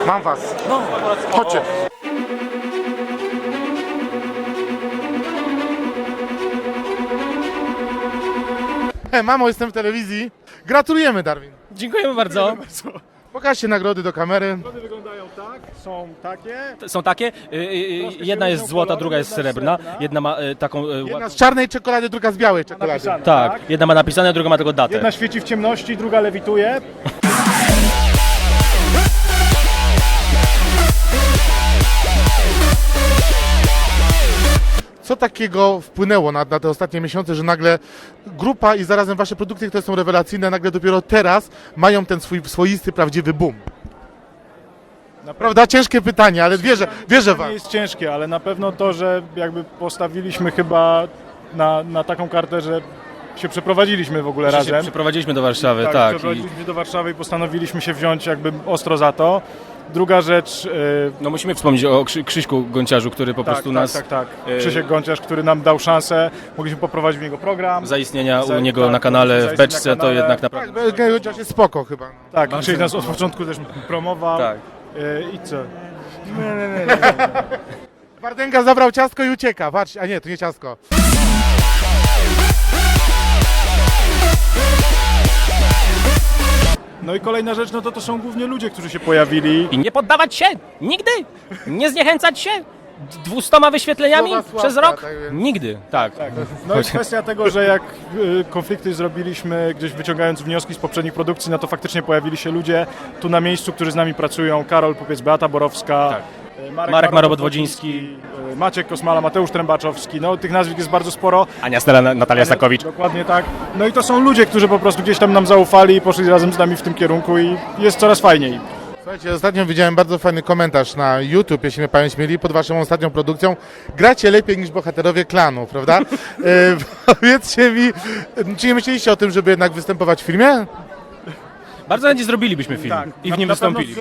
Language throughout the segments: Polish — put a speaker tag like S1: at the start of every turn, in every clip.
S1: Mam was.
S2: No.
S1: Chodźcie. Mamo, jestem w telewizji. Gratulujemy, Darwin.
S2: Dziękujemy bardzo.
S1: Pokażcie nagrody do kamery.
S3: Nagrody wyglądają tak, są takie.
S2: Są takie, jedna jest złota, druga jest srebrna, jedna ma taką...
S1: Jedna z czarnej czekolady, druga z białej czekolady.
S3: Napisane,
S2: Tak, jedna ma napisane, druga ma tylko datę.
S3: Jedna świeci w ciemności, druga lewituje.
S1: Co takiego wpłynęło na te ostatnie miesiące, że nagle grupa i zarazem wasze produkty, które są rewelacyjne, nagle dopiero teraz mają ten swój swoisty, prawdziwy boom? Prawda? Ciężkie pytanie, ale wierzę wam.
S3: Nie jest ciężkie, ale na pewno to, że jakby postawiliśmy chyba na taką kartę, że się przeprowadziliśmy w ogóle razem.
S2: Przeprowadziliśmy do Warszawy,
S3: Tak,
S2: tak.
S3: przeprowadziliśmy się do Warszawy i postanowiliśmy się wziąć jakby ostro za to. Druga rzecz...
S2: No musimy wspomnieć o Krzyśku Gonciarzu, który po prostu nas...
S3: Tak. Krzysiek Gonciarz, który nam dał szansę, mogliśmy poprowadzić w niego program.
S2: Zaistnienia u niego na kanale w beczce, to jednak naprawdę...
S1: Tak, chociaż jest spoko chyba.
S3: Tak, Krzysiek nas od początku też promował.
S2: Tak.
S3: I co?
S1: Wardęga zabrał ciastko i ucieka. Patrz, a nie, to nie ciastko.
S3: No i kolejna rzecz, no to są głównie ludzie, którzy się pojawili.
S2: I nie poddawać się! Nigdy! Nie zniechęcać się! 200 wyświetleniami
S1: Słowa Sławka,
S2: przez rok?
S1: tak więc.
S2: Nigdy, tak.
S3: No i kwestia tego, że jak konflikty zrobiliśmy, gdzieś wyciągając wnioski z poprzednich produkcji, no to faktycznie pojawili się ludzie tu na miejscu, którzy z nami pracują. Karol Pupiec, Beata Borowska,
S2: Tak.
S3: Marek
S2: Marobot-Wodziński,
S3: Maciek Kosmala, Mateusz Trębaczowski. No tych nazwisk jest bardzo sporo.
S2: Ania Stella, Natalia Sakowicz.
S3: Dokładnie tak. No i to są ludzie, którzy po prostu gdzieś tam nam zaufali i poszli razem z nami w tym kierunku i jest coraz fajniej.
S1: Słuchajcie, ostatnio widziałem bardzo fajny komentarz na YouTube, jeśli mnie pamięć mieli, pod waszą ostatnią produkcją. Gracie lepiej niż bohaterowie klanu, prawda? Powiedzcie mi, czy nie myśleliście o tym, żeby jednak występować w filmie?
S2: Bardzo chętnie zrobilibyśmy film
S3: Tak,
S2: i w nim
S3: na pewno-
S2: wystąpili.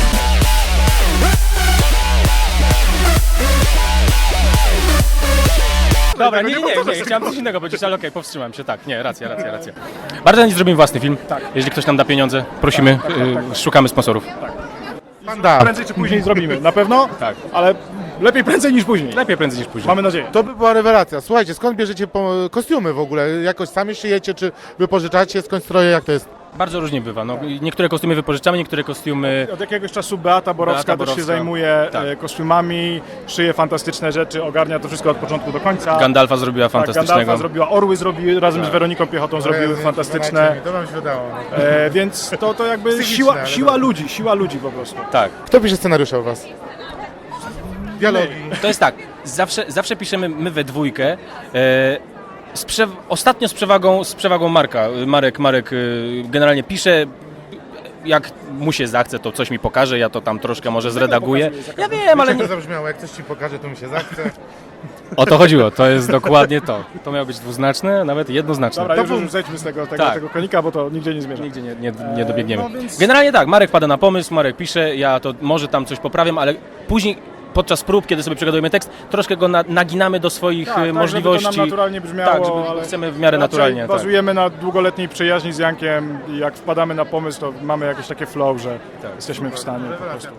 S2: Dobra, nie, chciałem coś innego powiedzieć, ale okej, powstrzymam się, tak, nie, racja. Bardzo chętnie zrobimy własny film, jeżeli ktoś nam da pieniądze, prosimy, szukamy sponsorów.
S1: Panda.
S3: Prędzej czy później zrobimy, na pewno,
S2: Tak.
S3: ale lepiej prędzej niż później.
S2: Lepiej prędzej niż później.
S3: Mamy nadzieję.
S1: To by była rewelacja. Słuchajcie, skąd bierzecie kostiumy w ogóle? Jakoś sami szyjecie, czy wypożyczacie, skąd stroje, jak to jest?
S2: Bardzo różnie bywa, no, niektóre kostiumy wypożyczamy, niektóre kostiumy...
S3: Od jakiegoś czasu Beata Borowska
S2: Beata
S3: też się
S2: Borowska.
S3: zajmuje
S2: Tak.
S3: kostiumami, szyje fantastyczne rzeczy, ogarnia to wszystko od początku do końca.
S2: Gandalfa zrobiła
S3: Tak,
S2: fantastycznego.
S3: Gandalfa zrobiła, Orły zrobiły, razem z Weroniką Piechotą zrobiły fantastyczne.
S1: To wam się udało.
S3: Więc to jakby
S1: Psychiczne, ale
S3: siła ludzi po prostu.
S2: Tak.
S1: Kto pisze scenariusze u was? Dialogi.
S2: To jest tak, zawsze piszemy my we dwójkę. Ostatnio z przewagą Marka. Marek generalnie pisze, jak mu się zachce, to coś mi pokaże, ja to tam troszkę może zredaguję. Ja wiem, ale
S1: Jak
S2: nie,
S1: to zabrzmiało, jak coś ci pokaże, to mi się zachce.
S2: o to chodziło, to jest dokładnie to. To miało być dwuznaczne, nawet jednoznaczne.
S3: Dobra, już zejdźmy z
S2: Tak.
S3: tego konika, bo to nigdzie nie zmierza.
S2: Nigdzie nie dobiegniemy.
S3: no więc-
S2: Generalnie tak, Marek pada na pomysł, Marek pisze, ja to może tam coś poprawiam, ale później podczas prób, kiedy sobie przegadujemy tekst, troszkę go naginamy do swoich możliwości.
S3: Żeby to nam naturalnie brzmiało,
S2: Tak, żeby
S3: ale
S2: chcemy w miarę
S3: raczej
S2: naturalnie. Tak.
S3: Bazujemy na długoletniej przyjaźni z Jankiem i jak wpadamy na pomysł, to mamy jakieś takie flow, że jesteśmy w stanie po prostu.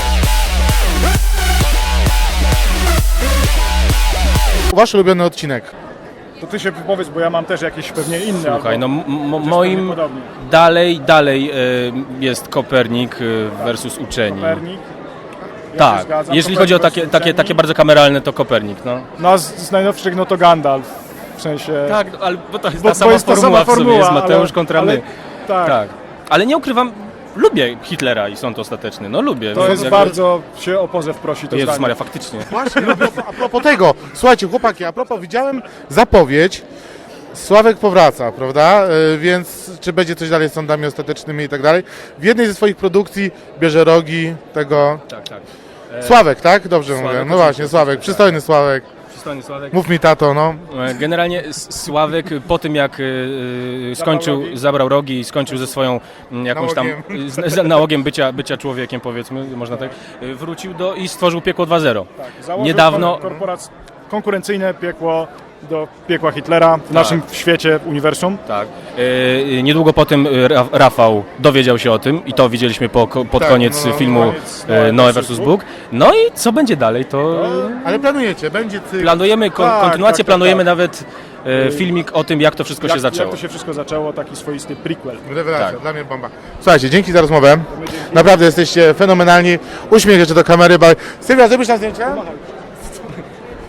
S1: Wasz ulubiony odcinek.
S3: To ty się wypowiedz, bo ja mam też jakieś pewnie inne.
S2: Słuchaj, no
S3: albo
S2: moim
S3: podobnie.
S2: dalej jest Kopernik versus uczeni.
S3: Kopernik. Ja
S2: Tak,
S3: się zgadzam.
S2: jeżeli chodzi o
S3: Kopernik versus
S2: takie
S3: uczeni.
S2: bardzo kameralne, to Kopernik, no.
S3: No a z najnowszych no to Gandalf, w sensie...
S2: Tak, ale bo to jest
S3: bo
S2: ta sama
S3: jest ta
S2: formuła
S3: sama
S2: w sobie,
S3: formuła,
S2: jest Mateusz
S3: ale-
S2: kontra
S3: ale-
S2: my.
S3: Tak,
S2: Tak, ale nie ukrywam, lubię Hitlera i sąd ostateczny, no lubię.
S3: to jest
S2: Jakby-
S3: bardzo się o pozew prosi to
S2: Jezus
S3: zdanie.
S2: Maria, faktycznie.
S1: Właśnie, a propos tego, słuchajcie chłopaki, a propos, widziałem zapowiedź, Sławek powraca, prawda? Więc czy będzie coś dalej z sądami ostatecznymi i tak dalej. W jednej ze swoich produkcji bierze rogi tego...
S2: Tak.
S1: Sławek, tak? Dobrze
S2: Sławek,
S1: mówię. No właśnie, Sławek, przystojny Sławek.
S2: Przystojny Sławek.
S1: Mów mi tato, no.
S2: Generalnie Sławek po tym jak zabrał rogi i skończył ze swoją jakąś tam nałogiem bycia człowiekiem, powiedzmy, można tak, wrócił i stworzył Piekło 2.0.
S3: Tak, założył
S2: Niedawno-
S3: konkurencyjne piekło do piekła Hitlera w naszym świecie, uniwersum.
S2: Tak. Niedługo po tym Rafał dowiedział się o tym i to widzieliśmy pod
S1: Tak,
S2: koniec filmu Noe vs. Bóg. No i co będzie dalej, to
S1: Ale planujecie, będzie cykl.
S2: planujemy kontynuację,
S3: tak,
S2: planujemy
S3: tak.
S2: nawet filmik o tym, jak to wszystko się
S3: Jak
S2: zaczęło.
S3: to się wszystko zaczęło, taki swoisty prequel.
S1: Rewelacja,
S2: Tak.
S1: dla mnie bomba. Słuchajcie, dzięki za rozmowę. Naprawdę jesteście fenomenalni. Uśmiech jeszcze do kamery. Sylwia, zrobisz nam zdjęcie?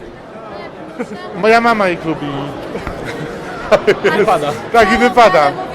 S1: Moja mama jej lubi.
S2: Wypada.
S1: Tak, i wypada.